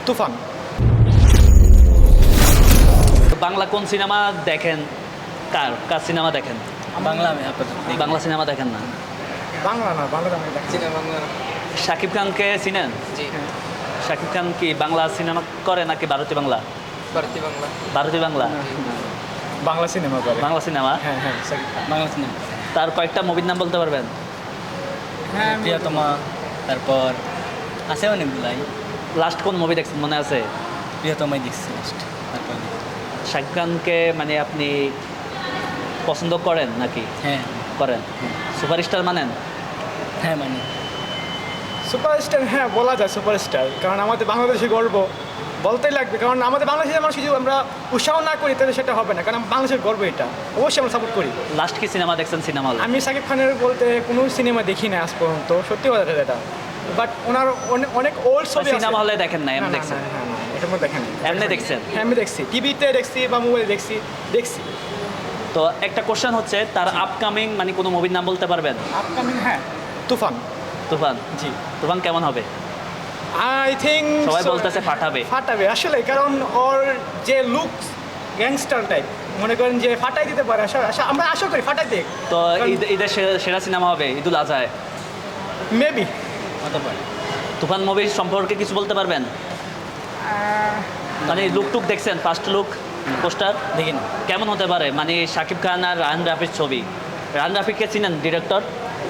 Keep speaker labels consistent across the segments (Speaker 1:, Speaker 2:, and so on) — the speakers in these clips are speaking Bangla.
Speaker 1: তুফান।
Speaker 2: বাংলা কোন সিনেমা দেখেন? কার কার সিনেমা দেখেন?
Speaker 3: বাংলা আমি আপাতত দেখি।
Speaker 2: বাংলা সিনেমা দেখেন না?
Speaker 1: বাংলা না, বাংলা আমি দেখছি না।
Speaker 3: বাংলা না।
Speaker 2: শাকিব খানকে চিনেন?
Speaker 3: জি
Speaker 2: শাকিব খান কি বাংলা সিনেমা করে নাকি ভারতীয় বাংলা?
Speaker 3: ভারতীয় বাংলা।
Speaker 2: ভারতীয় বাংলা,
Speaker 1: বাংলা সিনেমা করে।
Speaker 2: বাংলা সিনেমা।
Speaker 1: হ্যাঁ হ্যাঁ, শাকিব খান।
Speaker 3: বাংলা সিনেমা।
Speaker 2: তার কয়েকটা মুভির নাম বলতে পারবেন?
Speaker 1: হ্যাঁ,
Speaker 3: প্রিয়তমা, তারপর আছে অনেকগুলাই।
Speaker 2: লাস্ট কোন মুভি দেখছেন মনে আছে?
Speaker 3: প্রিয়তমাই দেখছি লাস্ট। তারপর
Speaker 2: শাকিব খানকে মানে আপনি পছন্দ করেন নাকি?
Speaker 3: হ্যাঁ
Speaker 2: করেন। সুপারস্টার মানেন?
Speaker 3: হ্যাঁ মানে
Speaker 1: সুপারস্টার, হ্যাঁ বলা যায় সুপারস্টার, কারণ আমাদের বাংলাদেশে গর্ব বলতেই লাগবে, কারণ আমাদের বাংলাদেশের মানুষ যদি আমরা উৎসাহ না করি তাহলে সেটা হবে না, কারণ বাংলাদেশের গর্ব এটা, অবশ্যই আমরা সাপোর্ট করি।
Speaker 2: লাস্ট কি সিনেমা দেখছেন সিনেমা হলে?
Speaker 1: আমি শাকিব খানের বলতে কোনো সিনেমা দেখি না আজ পর্যন্ত, সত্যি কথা এটা, বাট ওনার অনেক ওল্ড ছবি আছে।
Speaker 2: সিনেমা হলে দেখেন না,
Speaker 1: না,
Speaker 2: এমনি
Speaker 1: না,
Speaker 2: দেখছেন?
Speaker 1: না, না, এটার মধ্যে দেখেন
Speaker 2: এমনি দেখছেন?
Speaker 1: হ্যাঁ আমি দেখছি, টিভিতে দেখছি বা মোবাইলে দেখছি।
Speaker 2: তো একটা কোশ্চেন হচ্ছে তার আপকামিং মানে কোনো মুভির নাম বলতে পারবেন?
Speaker 1: আপকামিং, হ্যাঁ তুফান।
Speaker 2: তুফান।
Speaker 1: জি,
Speaker 2: তুফান কেমন হবে?
Speaker 1: আই থিঙ্ক
Speaker 2: সবাই বলতেছে ফাটাবে।
Speaker 1: ফাটাবে আসলে, কারণ ওর যে লুক গ্যাংস্টার টাইপ, মনে করেন যে ফাটাই দিতে পারে, আমরা আশা করি ফাটাই দেখ।
Speaker 2: তো ঈদের সেরা সিনেমা হবে ঈদুল আজহায়।
Speaker 1: মেবি।
Speaker 3: হতে পারে।
Speaker 2: তুফান মুভির সম্পর্কে কিছু বলতে পারবেন? মানে লুক টুক দেখছেন? ফার্স্ট লুক পোস্টার
Speaker 3: দেখি না।
Speaker 2: কেমন হতে পারে? মানে শাকিব খান আর রাহান রাফির ছবি। রাহান রাফিকে চিনেন ডিরেক্টর?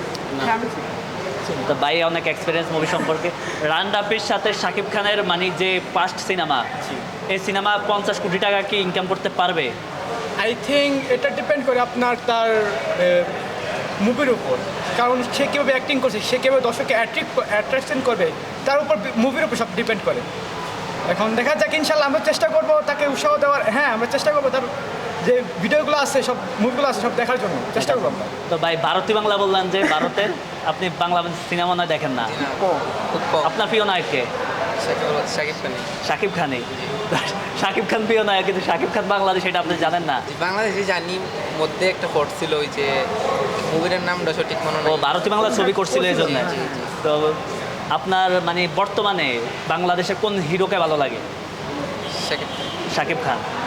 Speaker 2: তো ভাই অনেক এক্সপিরিয়েন্স মুভি সম্পর্কে। রাহান রাফির সাথে শাকিব খানের মানে যে ফার্স্ট সিনেমা, এই সিনেমা 50 কোটি টাকা কি ইনকাম করতে পারবে?
Speaker 1: আই থিঙ্ক এটা ডিপেন্ড করে আপনার তার মুভির উপর, কারণ সে কীভাবে অ্যাক্টিং করছে, সে কীভাবে দর্শককে অ্যাট্রাকশন করবে, তার উপর মুভির উপর সব ডিপেন্ড করে। এখন দেখা যাক, ইনশাল্লাহ আমরা চেষ্টা করবো তাকে উৎসাহ দেওয়ার। হ্যাঁ, আমরা চেষ্টা করবো তার যে ভিডিওগুলো আছে, সব মুভিগুলো আছে, সব দেখার জন্য চেষ্টা করবো আমরা।
Speaker 2: তো ভাই ভারতীয় বাংলা বললেন যে ভারতের আপনি বাংলা সিনেমা না দেখেন না?
Speaker 3: খুব কম।
Speaker 2: আপনার প্রিয় নায়ক কে?
Speaker 3: শাকিব খান।
Speaker 2: শাকিব খানই। শাকিব খান প্রিয় নায়ক, কিন্তু শাকিব খান বাংলাদেশ এটা আপনি জানেন না?
Speaker 4: বাংলাদেশে জানি, মধ্যে একটা ফোর্ট ছিল ওই যে মুভিটার নামটা সঠিক মনে
Speaker 2: ও
Speaker 4: নেই।
Speaker 2: ভারতীয় বাংলা ছবি করছিল এই জন্য।
Speaker 4: জি, জি।
Speaker 2: তো আপনার মানে বর্তমানে বাংলাদেশে কোন হিরোকে ভালো লাগে?
Speaker 4: শাকিব।
Speaker 2: শাকিব খান।